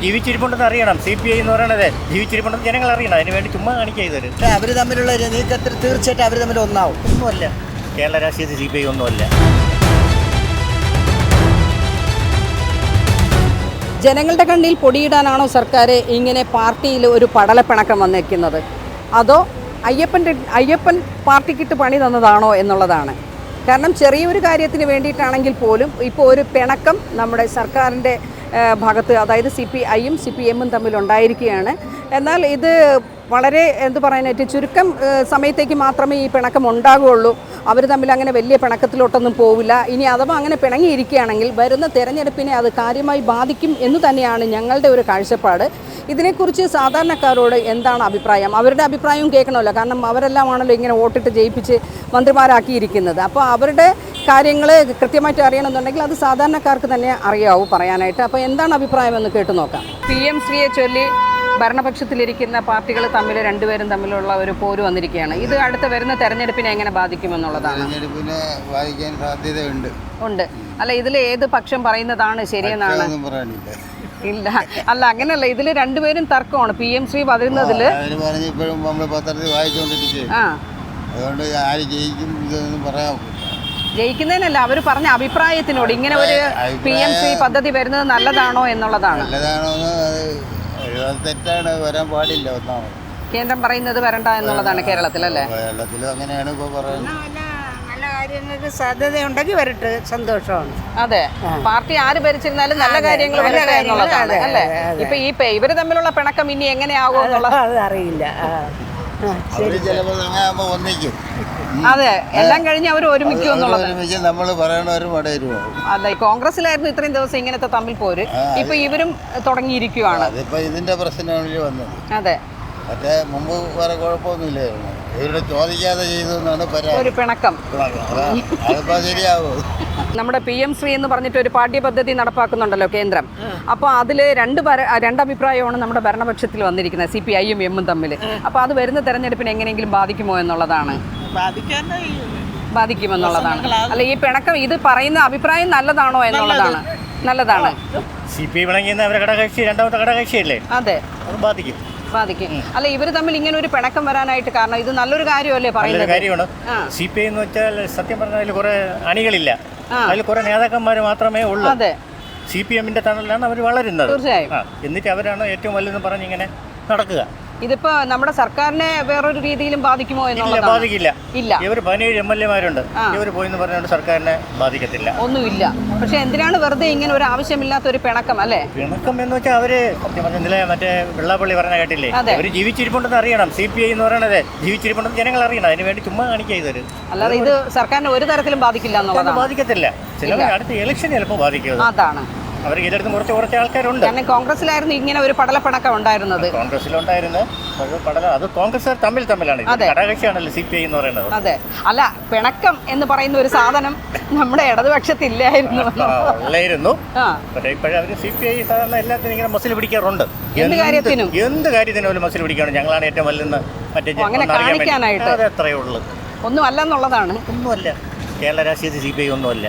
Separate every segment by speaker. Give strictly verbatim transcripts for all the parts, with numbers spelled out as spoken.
Speaker 1: ജീവിച്ചിരിപ്പുണ്ടെന്ന് അറിയണം. C P I എന്ന് പറയണത് ജീവിച്ചിരിപ്പുണ്ടെന്ന് ജനങ്ങൾ അറിയണം. അതിന് വേണ്ടി ചുമ്മാ കാണിക്കുക ഇതൊരു.
Speaker 2: പക്ഷേ അവർ തമ്മിലുള്ള നീക്കത്തിൽ തീർച്ചയായിട്ടും അവർ തമ്മിൽ ഒന്നാവും.
Speaker 1: ഒന്നുമല്ല, കേരള രാഷ്ട്രീയത്തിൽ സി പി ഐ ഒന്നുമല്ല.
Speaker 3: ജനങ്ങളുടെ കണ്ണിൽ പൊടിയിടാനാണോ സർക്കാർ ഇങ്ങനെ പാർട്ടിയിൽ ഒരു പടലപ്പിണക്കം വന്നിരിക്കുന്നത്, അതോ അയ്യപ്പൻ്റെ അയ്യപ്പൻ പാർട്ടിക്കിട്ട് പണി തന്നതാണോ എന്നുള്ളതാണ്. കാരണം ചെറിയൊരു കാര്യത്തിന് വേണ്ടിയിട്ടാണെങ്കിൽ പോലും ഇപ്പോൾ ഒരു പിണക്കം നമ്മുടെ സർക്കാരിൻ്റെ ഭാഗത്ത്, അതായത് സി പി ഐയും സി പി എമ്മും തമ്മിലുണ്ടായിരിക്കുകയാണ്. എന്നാൽ ഇത് വളരെ എന്ത് പറയാനായിട്ട് ചുരുക്കം സമയത്തേക്ക് മാത്രമേ ഈ പിണക്കം ഉണ്ടാകുകയുള്ളൂ. അവർ തമ്മിൽ അങ്ങനെ വലിയ പിണക്കത്തിലോട്ടൊന്നും പോവില്ല. ഇനി അഥവാ അങ്ങനെ പിണങ്ങിയിരിക്കുകയാണെങ്കിൽ വരുന്ന തെരഞ്ഞെടുപ്പിനെ അത് കാര്യമായി ബാധിക്കും എന്ന് തന്നെയാണ് ഞങ്ങളുടെ ഒരു കാഴ്ചപ്പാട്. ഇതിനെക്കുറിച്ച് സാധാരണക്കാരോട് എന്താണ് അഭിപ്രായം? അവരുടെ അഭിപ്രായവും കേൾക്കണമല്ലോ. കാരണം അവരെല്ലാമാണല്ലോ ഇങ്ങനെ വോട്ടിട്ട് ജയിപ്പിച്ച് മന്ത്രിമാരാക്കിയിരിക്കുന്നത്. അപ്പോൾ അവരുടെ കാര്യങ്ങൾ കൃത്യമായിട്ട് അറിയണമെന്നുണ്ടെങ്കിൽ അത് സാധാരണക്കാർക്ക് തന്നെ അറിയാവൂ പറയാനായിട്ട്. അപ്പോൾ എന്താണ് അഭിപ്രായം എന്ന് കേട്ടു നോക്കാം. പി എം ശ്രീയെ ചൊല്ലി ഭരണപക്ഷത്തിലിരിക്കുന്ന പാർട്ടികൾ തമ്മിൽ രണ്ടുപേരും തമ്മിലുള്ള ഒരു പോര് വന്നിരിക്കുകയാണ്. ഇത് അടുത്ത വരുന്ന തെരഞ്ഞെടുപ്പിനെ എങ്ങനെ ബാധിക്കുമെന്നുള്ളതാണ്.
Speaker 4: തെരഞ്ഞെടുപ്പിനെ ബാധിക്കാൻ സാധ്യതയുണ്ട്. ഉണ്ട്.
Speaker 3: അല്ല, ഇതിൽ ഏത് പക്ഷം പറയുന്നതാണ് ശരിയെന്നാണ്? ഇല്ല, അല്ല അങ്ങനെയല്ല. ഇതിൽ രണ്ടുപേരും തർക്കമാണ്. പി എം ശ്രീ പറയുന്നതില്
Speaker 4: ഇപ്പോഴും നമ്മൾ പത്രത്തിൽ വായിച്ചുകൊണ്ടിരിക്കുക. അതുകൊണ്ട് ആര് ജയിക്കും ഇതൊന്നും പറയാം.
Speaker 3: ജയിക്കുന്നതിനല്ല, അവർ പറഞ്ഞ അഭിപ്രായത്തിനോട് ഇങ്ങനെ ഒരു പി എം ശ്രീ പദ്ധതി വരുന്നത് നല്ലതാണോ എന്നുള്ളതാണ്.
Speaker 4: നല്ലതാണോന്ന് തെറ്റാണ്, വരാൻ പാടില്ല. ഒന്നാമത്
Speaker 3: കേന്ദ്രം പറയുന്നത് വരണ്ട എന്നുള്ളതാണ് കേരളത്തിലല്ലേ?
Speaker 4: കേരളത്തിലും അങ്ങനെയാണ് ഇപ്പോൾ പറയുന്നത്.
Speaker 5: നല്ല കാര്യങ്ങൾക്ക് സാധ്യതയുണ്ടെങ്കിൽ വരട്ടെ, സന്തോഷമാണ്.
Speaker 3: അതെ, പാർട്ടി ആര് ഭരിച്ചിരുന്നാലും നല്ല കാര്യങ്ങൾ വരട്ടെ എന്നുള്ളതാണ് അല്ലേ? ഇപ്പൊ ഈ ഇവര് തമ്മിലുള്ള പിണക്കം ഇനി എങ്ങനെയാകും എന്നുള്ളത്
Speaker 5: അറിയില്ല.
Speaker 4: ഒന്നിക്കും.
Speaker 3: അതെ, എല്ലാം കഴിഞ്ഞ് അവർ ഒരുമിക്കും എന്നുള്ളത്.
Speaker 4: നമ്മൾ പറയണവരും
Speaker 3: അല്ല, ഈ കോൺഗ്രസിലായിരുന്നു ഇത്രയും ദിവസം ഇങ്ങനത്തെ തമ്മിൽ പോര്. ഇപ്പൊ ഇവരും തുടങ്ങിയിരിക്കുവാണ്.
Speaker 4: ഇതിന്റെ പ്രശ്നമാണ് വന്നത്.
Speaker 3: അതെ,
Speaker 4: മറ്റേ മുമ്പ് വേറെ കുഴപ്പമൊന്നുമില്ലായിരുന്നു. ഇവരുടെ ചോദിക്കാതെ ചെയ്തെന്നാണ്
Speaker 3: ഒരു പിണക്കം.
Speaker 4: അതിപ്പോ ശരിയാവോ?
Speaker 3: നമ്മുടെ പി എം ശ്രീ എന്ന് പറഞ്ഞിട്ട് ഒരു പാഠ്യപദ്ധതി നടപ്പാക്കുന്നുണ്ടല്ലോ കേന്ദ്രം. അപ്പോൾ അതിൽ രണ്ട് രണ്ടഭിപ്രായമാണ് നമ്മുടെ ഭരണപക്ഷത്തിൽ വന്നിരിക്കുന്നത്, സി പി ഐയും എമ്മും തമ്മിൽ. അപ്പോൾ അത് വരുന്ന തെരഞ്ഞെടുപ്പിന് എങ്ങനെയെങ്കിലും ബാധിക്കുമോ എന്നുള്ളതാണ്. ബാധിക്കുമെന്നുള്ളതാണ്. അല്ല, ഈ പിണക്കം ഇത് പറയുന്ന അഭിപ്രായം നല്ലതാണോ എന്നുള്ളതാണ്. നല്ലതാണ്.
Speaker 1: സി പി ഐ പിണങ്ങിയെന്ന് അവരെ ഘടകകക്ഷി, രണ്ടാമത്തെ ഘടകകക്ഷിയല്ലേ?
Speaker 3: അതെ,
Speaker 1: അത് ബാധിക്കും.
Speaker 3: ബാധിക്കും. അല്ല, ഇവർ തമ്മിൽ ഇങ്ങനെ ഒരു പിണക്കം വരാനായിട്ട് കാരണം ഇത് നല്ലൊരു കാര്യമല്ലേ പറയുന്നത്?
Speaker 1: കാര്യമാണ്. സി പി ഐ എന്ന് വെച്ചാൽ സത്യം പറഞ്ഞാൽ അതിൽ കുറെ അണികളില്ല, അതിൽ കുറെ നേതാക്കന്മാർ മാത്രമേ ഉള്ളൂ.
Speaker 3: അതെ,
Speaker 1: സി പി എമ്മിന്റെ തണലിലാണ് അവർ വളരുന്നത്.
Speaker 3: തീർച്ചയായും.
Speaker 1: എന്നിട്ട് അവരാണ് ഏറ്റവും വലുതെന്ന് പറഞ്ഞ് ഇങ്ങനെ നടക്കുക.
Speaker 3: ഇതിപ്പോ നമ്മുടെ സർക്കാരിനെ വേറൊരു രീതിയിലും ബാധിക്കുമോ എന്നുള്ളത്?
Speaker 1: ബാധിക്കില്ല.
Speaker 3: ഇല്ല,
Speaker 1: ഇവർ പതിനേഴ് എം എൽ എമാരുണ്ട്. ഇവർ പോയിന്ന് പറഞ്ഞുകൊണ്ട് സർക്കാരിനെ ബാധിക്കത്തില്ല.
Speaker 3: ഒന്നുമില്ല. പക്ഷെ എന്തിനാണ് വെറുതെ ഇങ്ങനെ ഒരു ആവശ്യമില്ലാത്ത ഒരു പിണക്കം അല്ലേ?
Speaker 1: പിണക്കം എന്ന് വെച്ചാൽ അവര് ഇന്നലെ മറ്റേ വെള്ളാപ്പള്ളി പറഞ്ഞ കേട്ടില്ലേ, അവര് ജീവിച്ചിരിപ്പുണ്ടെന്ന് അറിയണം. സി പി ഐ എന്ന് പറയണത് ജീവിച്ചിരിപ്പുണ്ടെന്ന് ജനങ്ങൾ അറിയണം. അതിന് വേണ്ടി ചുമ്മാ കാണിക്കുക ഇതൊരു.
Speaker 3: അല്ലാതെ ഇത് സർക്കാരിനെ ഒരു തരത്തിലും ബാധിക്കില്ല എന്നുള്ളതാണ്.
Speaker 1: ബാധിക്കത്തില്ല. ചില അടുത്ത ഇലക്ഷൻ ചിലപ്പോൾ ബാധിക്കും.
Speaker 3: അതാണ്
Speaker 1: അവർക്ക് ഇതെടുത്ത് കുറച്ച് കുറച്ച് ആൾക്കാരുണ്ട്.
Speaker 3: കാരണം കോൺഗ്രസിലായിരുന്നു ഇങ്ങനെ ഒരു പടലപ്പിണക്കം ഉണ്ടായിരുന്നത്.
Speaker 1: കോൺഗ്രസിലുണ്ടായിരുന്നു പടല, അത് കോൺഗ്രസ് തമ്മിൽ തമ്മിലാണ്. ഘടകകക്ഷിയാണല്ലോ സി പി ഐ എന്ന് പറയുന്നത്.
Speaker 3: അതെ, അല്ല, പിണക്കം എന്ന് പറയുന്ന ഒരു സാധനം നമ്മുടെ ഇടതുപക്ഷത്തില്ലായിരുന്നു.
Speaker 1: ഉള്ളായിരുന്നു. പക്ഷേ ഇപ്പോഴും അവര് സി പി ഐ സാധാരണ എല്ലാത്തിനും ഇങ്ങനെ മസിൽ പിടിക്കാറുണ്ട്.
Speaker 3: എന്ത് കാര്യത്തിനും
Speaker 1: എന്ത് കാര്യത്തിനും ഒരു മസിൽ പിടിക്കാണ്. ഞങ്ങളാണ് ഏറ്റവും വലുതെന്ന് മറ്റേ
Speaker 3: അങ്ങനെ കാണിക്കാനായിട്ട്.
Speaker 1: അത് എത്രയേ ഉള്ളൂ.
Speaker 3: ഒന്നും അല്ലെന്നുള്ളതാണ്.
Speaker 1: ഒന്നുമല്ല, കേരള രാഷ്ട്രീയത്തിൽ സി പി ഐ ഒന്നുമല്ല.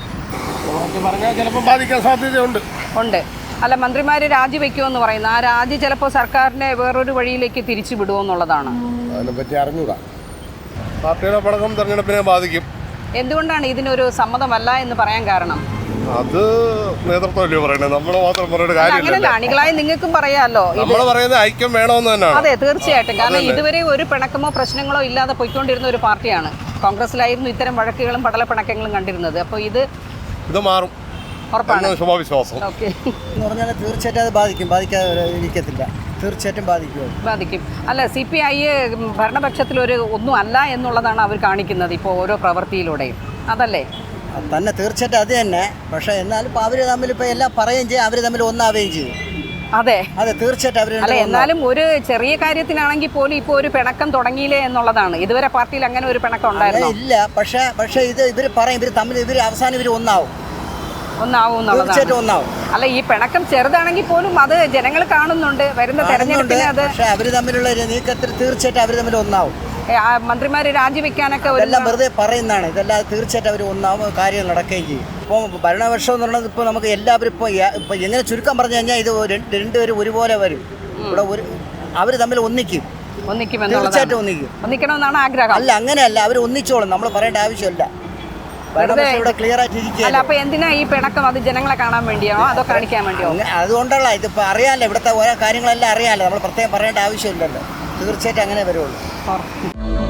Speaker 4: പറഞ്ഞാൽ ചിലപ്പോൾ ബാധിക്കാൻ സാധ്യതയുണ്ട്.
Speaker 3: ഉണ്ട്. അല്ല, മന്ത്രിമാര് രാജിവെക്കുമെന്ന് പറയുന്നു. ആ രാജി ചിലപ്പോൾ സർക്കാരിനെ വേറൊരു വഴിയിലേക്ക് തിരിച്ചു വിടുമെന്നുള്ളതാണ്.
Speaker 4: അതിനെപ്പറ്റി അറിഞ്ഞൂടാ. പാർട്ടിയുടെ പടക്കം തെരഞ്ഞെടുപ്പിനെ ബാധിക്കും.
Speaker 3: എന്തുകൊണ്ടാണ് ഇതിനൊരു സമ്മതമല്ല എന്ന് പറയാൻ കാരണം?
Speaker 4: അത് നേതൃത്വമല്ലേ പറയുന്നത്, നമ്മൾ മാത്രം പറയുന്ന കാര്യമില്ല.
Speaker 3: അങ്ങനെയല്ല, അണികളായി നിങ്ങൾക്കും പറയാമല്ലോ.
Speaker 4: നമ്മൾ പറയുന്നത് ഐക്യം വേണമെന്ന് തന്നെയാണ്.
Speaker 3: അതെ, തീർച്ചയായിട്ടും. കാരണം ഇതുവരെ ഒരു പിണക്കമോ പ്രശ്നങ്ങളോ ഇല്ലാതെ പോയിക്കൊണ്ടിരുന്ന ഒരു പാർട്ടിയാണ്. കോൺഗ്രസിലായിരുന്നു ഇത്തരം വഴക്കുകളും പടലപ്പിണക്കങ്ങളും കണ്ടിരുന്നത്. അപ്പോൾ ഇത് ഇത് മാറും ഉറപ്പാണ്,
Speaker 4: ശുഭവിശ്വാസം.
Speaker 3: ഓക്കെ
Speaker 2: എന്ന് പറഞ്ഞാൽ തീർച്ചയായിട്ടും അത് ബാധിക്കും. ബാധിക്കാതെ ഇരിക്കത്തില്ല, തീർച്ചയായിട്ടും ബാധിക്കും.
Speaker 3: ബാധിക്കും. അല്ല, സി പി ഐ ഭരണപക്ഷത്തിലൊരു ഒന്നും അല്ല എന്നുള്ളതാണ് അവർ കാണിക്കുന്നത് ഇപ്പോൾ ഓരോ പ്രവൃത്തിയിലൂടെയും. അതല്ലേ
Speaker 2: തന്നെ? തീർച്ചയായിട്ടും അത് തന്നെ. പക്ഷേ എന്നാലും ഇപ്പോൾ അവർ തമ്മിൽ ഇപ്പോൾ എല്ലാം പറയുകയും ചെയ്യും, അവർ തമ്മിൽ ഒന്നാവുകയും ചെയ്യും.
Speaker 3: അതെ
Speaker 2: അതെ, തീർച്ചയായിട്ടും അവർ.
Speaker 3: അല്ല, എന്നാലും ഒരു ചെറിയ കാര്യത്തിനാണെങ്കിൽ പോലും ഇപ്പോൾ ഒരു പിണക്കം തുടങ്ങിയില്ലേ എന്നുള്ളതാണ്. ഇതുവരെ പാർട്ടിയിൽ അങ്ങനെ ഒരു പിണക്കം ഉണ്ടായിരുന്നു
Speaker 2: ഇല്ല. പക്ഷേ പക്ഷേ ഇത് ഇവർ പറയും, ഇവർ തമ്മിൽ ഇവർ അവസാനം ഇവർ ഒന്നാവും.
Speaker 3: ഒന്നാവും എന്നുള്ളതാണ്.
Speaker 2: ഒന്നാവും.
Speaker 3: അല്ല, ഈ പിണക്കം ചെറുതാണെങ്കിൽ പോലും അത് ജനങ്ങൾ കാണുന്നുണ്ട്. വരുന്ന തെരഞ്ഞെടുപ്പിന് അത്
Speaker 2: പക്ഷേ അവർ തമ്മിലുള്ള നീക്കത്തിൽ തീർച്ചയായിട്ടും അവർ തമ്മിൽ ഒന്നാവും.
Speaker 3: മന്ത്രിമാര് രാജിവെക്കാനൊക്കെ
Speaker 2: എല്ലാം വെറുതെ പറയുന്നതാണ്. ഇതെല്ലാം തീർച്ചയായിട്ടും അവർ ഒന്നാവും, കാര്യങ്ങൾ നടക്കുകയും ചെയ്യും. ഇപ്പോൾ ഭരണപക്ഷം എന്ന് പറയുന്നത് ഇപ്പോൾ നമുക്ക് എല്ലാവരും ഇപ്പോൾ ഇപ്പോൾ എങ്ങനെ ചുരുക്കം പറഞ്ഞു കഴിഞ്ഞാൽ ഇത് ഒരു- രണ്ടുപേരും ഒരുപോലെ വരും. ഇവിടെ ഒരു അവർ തമ്മിൽ ഒന്നിക്കും, തീർച്ചയായിട്ടും ഒന്നിക്കും.
Speaker 3: ഒന്നിക്കണമെന്നാണ് ആഗ്രഹം.
Speaker 2: അല്ല, അങ്ങനെയല്ല, അവർ ഒന്നിച്ചോളും, നമ്മൾ പറയേണ്ട ആവശ്യമില്ല. ഭരണപക്ഷം ഇവിടെ ക്ലിയർ ആയിട്ട്
Speaker 3: അല്ല,
Speaker 2: ഇരിക്കുകയല്ല.
Speaker 3: അപ്പൊ എന്തിനാ ഈ പിണക്കം? അത് ജനങ്ങളെ കാണാൻ വേണ്ടിയാണോ അതോ കാണിക്കാൻ വേണ്ടിയോ?
Speaker 2: അങ്ങ- അതുകൊണ്ടുള്ള ഇതിപ്പോൾ അറിയാമല്ലോ, ഇവിടുത്തെ ഓരോ കാര്യങ്ങളെല്ലാം അറിയാമല്ലോ, നമ്മൾ പ്രത്യേകം പറയേണ്ട ആവശ്യമില്ലല്ലോ. തീർച്ചയായിട്ടും അങ്ങനെ വരുള്ളൂ.